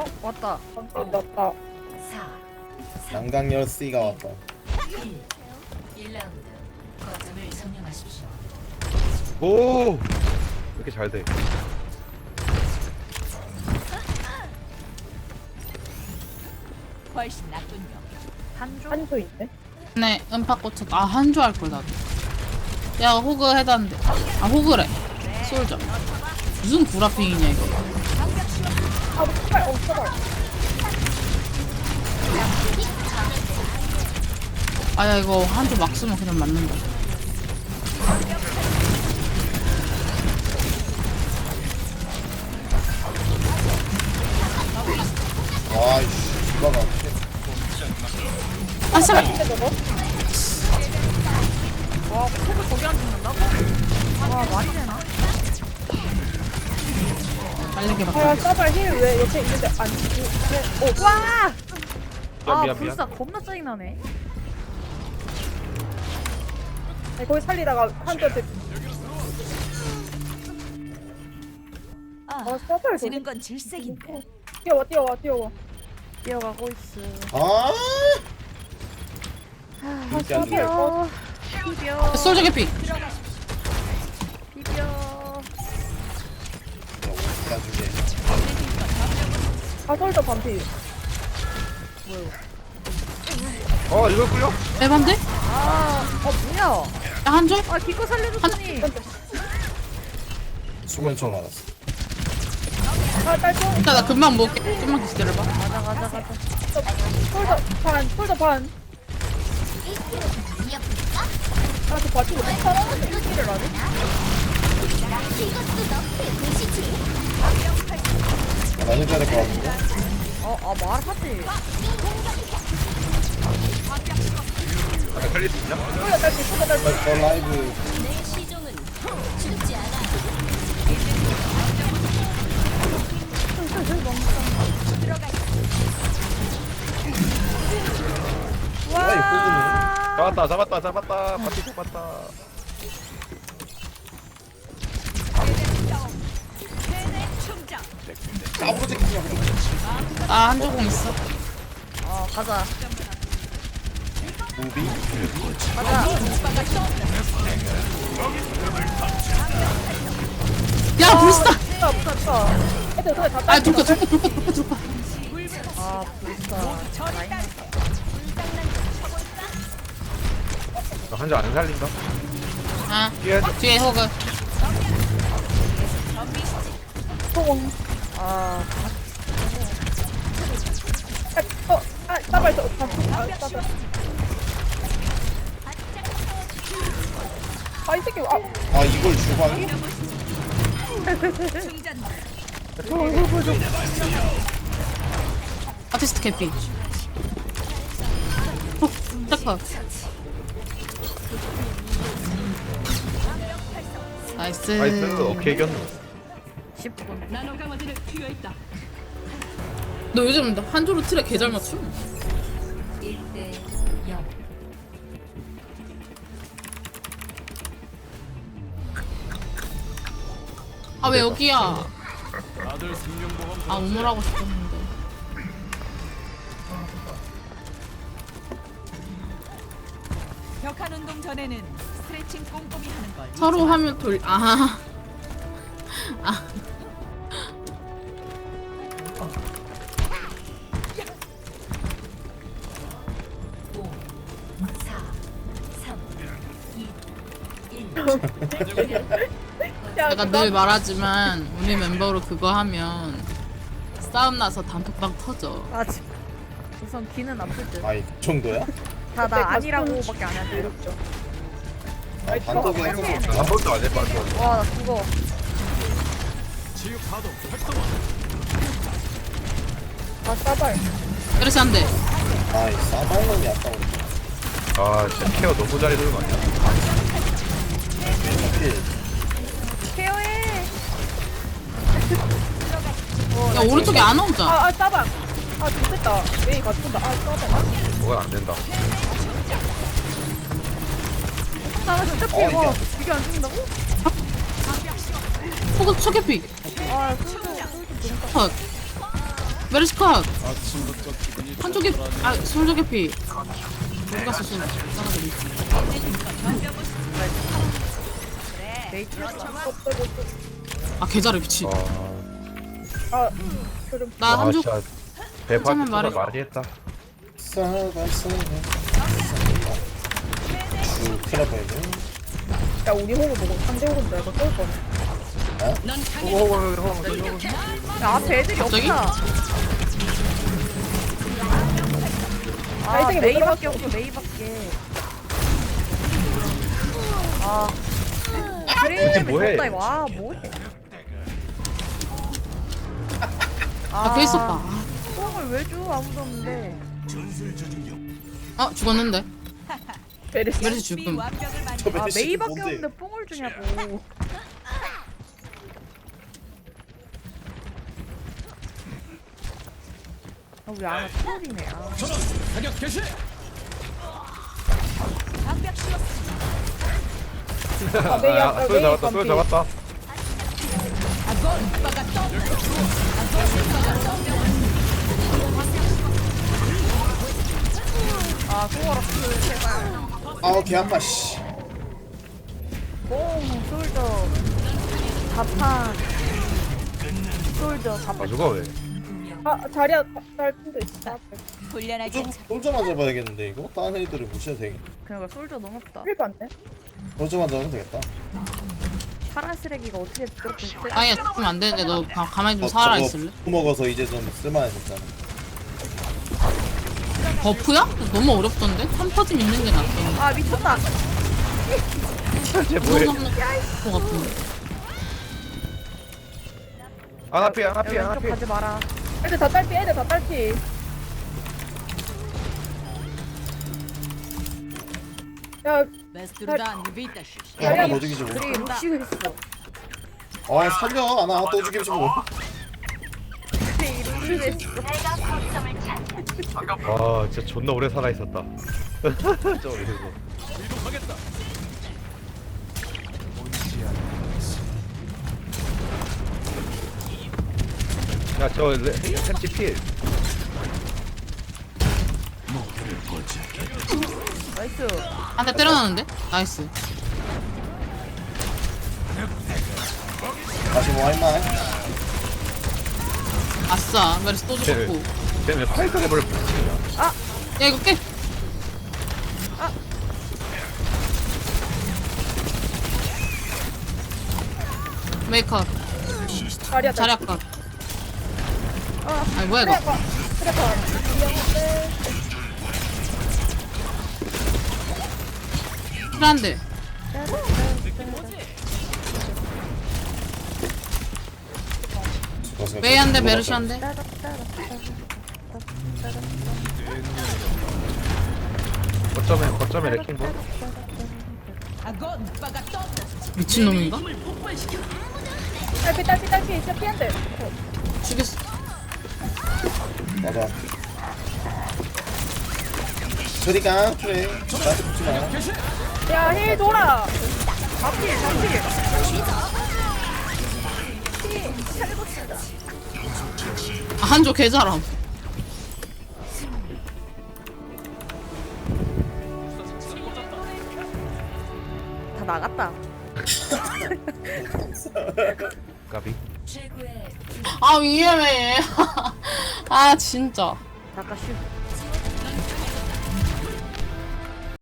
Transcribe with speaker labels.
Speaker 1: 왔다.
Speaker 2: 왔다.
Speaker 3: 양강열 C가 왔다.
Speaker 4: 1라운드 거점을 점령하십시오.
Speaker 5: 오! 이렇게 잘 돼.
Speaker 4: 훨씬 낫군요.
Speaker 1: 한조?
Speaker 2: 한조 있네.
Speaker 6: 네, 음파 꽂혔다. 아, 한 줄 알걸, 나도. 야, 호그 해단데. 아, 호그래. 솔져. 무슨 구라핑이냐, 이거.
Speaker 2: 아, 제발, 제발.
Speaker 6: 아, 야, 이거 한 줄 막 쓰면 그냥 맞는다.
Speaker 3: 와이씨, 이거 봐.
Speaker 6: 아, 씨발.
Speaker 1: 와, 코그 저기 안 죽는다고? 와, 말이 되나?
Speaker 6: 빨리게
Speaker 2: 아,
Speaker 6: 바꿔.
Speaker 2: 싸발 힐왜 옆에 있는데 안 죽지? 오,
Speaker 1: 와! 아,
Speaker 5: 미안.
Speaker 1: 불사 겁나 짜증나네.
Speaker 2: 아니, 거기 살리다가 한조한테 싸발
Speaker 4: 지는 건 질색인데.
Speaker 2: 뛰어와.
Speaker 1: 뛰어가고 있어.
Speaker 3: 아,
Speaker 2: 아,
Speaker 3: 안 돼.
Speaker 2: 싸발.
Speaker 1: 비벼.
Speaker 6: 솔져 개피.
Speaker 1: 비벼.
Speaker 3: 나중에.
Speaker 2: 가설도 반피.
Speaker 5: 이걸 끌려?
Speaker 6: 대반데?
Speaker 1: 아, 뭐야?
Speaker 6: 야, 한 줄?
Speaker 1: 아, 기껏 살려줬더니.
Speaker 3: 수면총 알았어.
Speaker 2: 아, 딸총.
Speaker 6: 일단 나 금방 먹을게. 좀만 기다려봐.
Speaker 1: 가자.
Speaker 2: 폴더 반. 아, 그 바티 왜 살아나는 일을 안 해?
Speaker 3: 나 해줘야 될 것 같은데.
Speaker 1: 말하지.
Speaker 5: 살릴 수 있냐?
Speaker 2: 폴더 딸피.
Speaker 3: 저 라이브.
Speaker 1: 와.
Speaker 5: 잡았다. 바퀴 잡았다.
Speaker 6: 아, 한 조공 있어.
Speaker 1: 가자.
Speaker 3: 무비?
Speaker 1: 가자.
Speaker 6: 야, 불사!
Speaker 2: 붙었다. 애들 그래 다
Speaker 6: 아,
Speaker 2: 딸피.
Speaker 6: 돌파.
Speaker 1: 아, 불사. 라인.
Speaker 5: 한줄 안 살린다.
Speaker 6: 아,
Speaker 5: 뛰어야지.
Speaker 6: 뒤에 호그.
Speaker 2: 소공.
Speaker 1: 아,
Speaker 2: 싸발 저 반피. 싸발. 이 새끼.
Speaker 3: 아, 이걸 주방이?
Speaker 6: 아티스트 캐피. 딱 나이스.
Speaker 5: 나이스. 오케이, 이겼네.
Speaker 1: 10분.
Speaker 6: 너 요즘 한 조로 틀에 개 잘 맞춤?
Speaker 4: 1대 0.
Speaker 6: 아, 왜 여기야? 아, 우물하고 싶었는데.
Speaker 4: 벽한 운동 전에는 스트레칭 꼼꼼히 하는 걸.
Speaker 6: 서로 하면 아. 아. 내가 늘 말하지만 우리 멤버로 그거 하면 싸움 나서 단톡방 터져.
Speaker 1: 아, 우선 귀는 아플 듯.
Speaker 3: 아이, 그 정도야?
Speaker 1: 다 나 아니라고밖에 안 하는데.
Speaker 3: 아, 단독에 해서.
Speaker 5: 한 번도 안 해봤어.
Speaker 1: 와, 나 죽어.
Speaker 2: 아, 싸발.
Speaker 6: 그렇지 안 돼.
Speaker 3: 아이, 싸발놈이 아까워.
Speaker 5: 진짜 케어 너무 잘해주는 거 아니야?
Speaker 1: 케어해.
Speaker 6: 야, 오른쪽에 안 오자.
Speaker 2: 싸발. 좋겠다. 메이 맞춘다. 싸발.
Speaker 5: 그건 안 된다.
Speaker 1: 나 진짜
Speaker 3: 이게
Speaker 1: 피워.
Speaker 3: 안
Speaker 1: 이게 안 죽는다고?
Speaker 6: 호그 초계피.
Speaker 1: 아,
Speaker 6: 컷. 메르시컷 한쪽에 아 솔저 개피 어디 갔어 솔저 따라들이 아 계좌를 미치
Speaker 2: 아 그럼
Speaker 6: 나 한쪽
Speaker 5: 진짜 배파
Speaker 6: 한참만
Speaker 5: 투가
Speaker 6: 말해.
Speaker 5: 많이 했다.
Speaker 3: 큰일 날 뻔했네.
Speaker 2: 야 우리 호구 보고 상대 호구 내가 쏠 뻔해. 야 앞에 애들이
Speaker 6: 갑자기?
Speaker 2: 없다. 아
Speaker 1: 나이스게
Speaker 2: 메이밖에
Speaker 1: 없어 메이밖에. 아
Speaker 5: 이게 뭐해?
Speaker 1: 그래 와 뭐해.
Speaker 6: 아 그 있었다
Speaker 1: 뽕을 왜 줘 아무도 없는데.
Speaker 6: 아 죽었는데
Speaker 2: 베르시.
Speaker 6: 메르시 죽음
Speaker 3: 저
Speaker 1: 아
Speaker 3: 메시
Speaker 1: 메이밖에
Speaker 3: 뭔데?
Speaker 1: 없는데 뽕을 주냐고. 아 우리 아나 트롤이네. 아.
Speaker 2: 아 메이
Speaker 5: 아,
Speaker 2: 아까
Speaker 5: 쏠
Speaker 2: 메이
Speaker 5: 잡았다, 쏠
Speaker 2: 반피.
Speaker 5: 잡았다.
Speaker 1: 아 소워러스 제발.
Speaker 3: 아우 개 아파 씨.
Speaker 1: 뽕 솔저 자판 솔저 자판.
Speaker 5: 아, 누가 왜?
Speaker 2: 아 자리야 딸핀도 있어.
Speaker 4: 훈련하기
Speaker 3: 솔저만 잡아야겠는데 이거? 다른 애들을 무시해도 되겠.
Speaker 1: 그러니까 솔저 너무 없다.
Speaker 2: 힐 봤네.
Speaker 3: 솔저만 잡으면 되겠다.
Speaker 1: 파란 쓰레기가 어떻게 그렇게 세?
Speaker 6: 아야 죽으면 안 되는데 너 가만히 좀
Speaker 3: 어,
Speaker 6: 살아있을래?
Speaker 3: 저거 먹어서 이제 좀 쓸만해졌잖아.
Speaker 6: 버프야? 너무 어렵던데? 3퍼짐 있는 게 낫던데
Speaker 1: 아 미쳤다.
Speaker 5: 쟤 뭐해?
Speaker 6: 무서운 거 같은데
Speaker 5: 안 앞에, 안
Speaker 1: 야,
Speaker 5: 앞에, 안
Speaker 1: 왼쪽
Speaker 5: 앞에.
Speaker 1: 가지 마라.
Speaker 2: 애들 다 딸피 애들 다 딸피. 야
Speaker 3: 야, 너 죽이지 뭐.
Speaker 1: 우리 루시오 했어.
Speaker 3: 아 살려. 아나 또 죽이지 뭐.
Speaker 1: 루시오 했어.
Speaker 5: 아, 진짜 존나 오래 살아 있었다. 저 이러고. 야, 저 햄찌 필.
Speaker 1: 나이스.
Speaker 6: 한 대 때려놨는데? 나이스
Speaker 3: 다시 뭐 할만.
Speaker 6: 아싸 메르시 또 죽었고
Speaker 5: 쟤는 팔각에 버려 붙이냐.
Speaker 6: 야 이거 깨 메이커
Speaker 2: 자리야
Speaker 6: 자리 아까 아니 뭐야 이거
Speaker 2: 트래퍼.
Speaker 6: 필요한데 메이 한대 메르시 한대
Speaker 5: 거점에 레킹볼.
Speaker 6: 미친놈인가?
Speaker 2: 딸피 진짜 피한대.
Speaker 6: 죽였어
Speaker 3: 맞아. 저리가 그래. 나한테 붙지 마.
Speaker 2: 야힐 돌아.
Speaker 6: 아, 한조 개잘함
Speaker 1: 다 나갔다.
Speaker 5: 까비.
Speaker 6: 아 위험해 아 진짜
Speaker 1: 잠깐 쉬.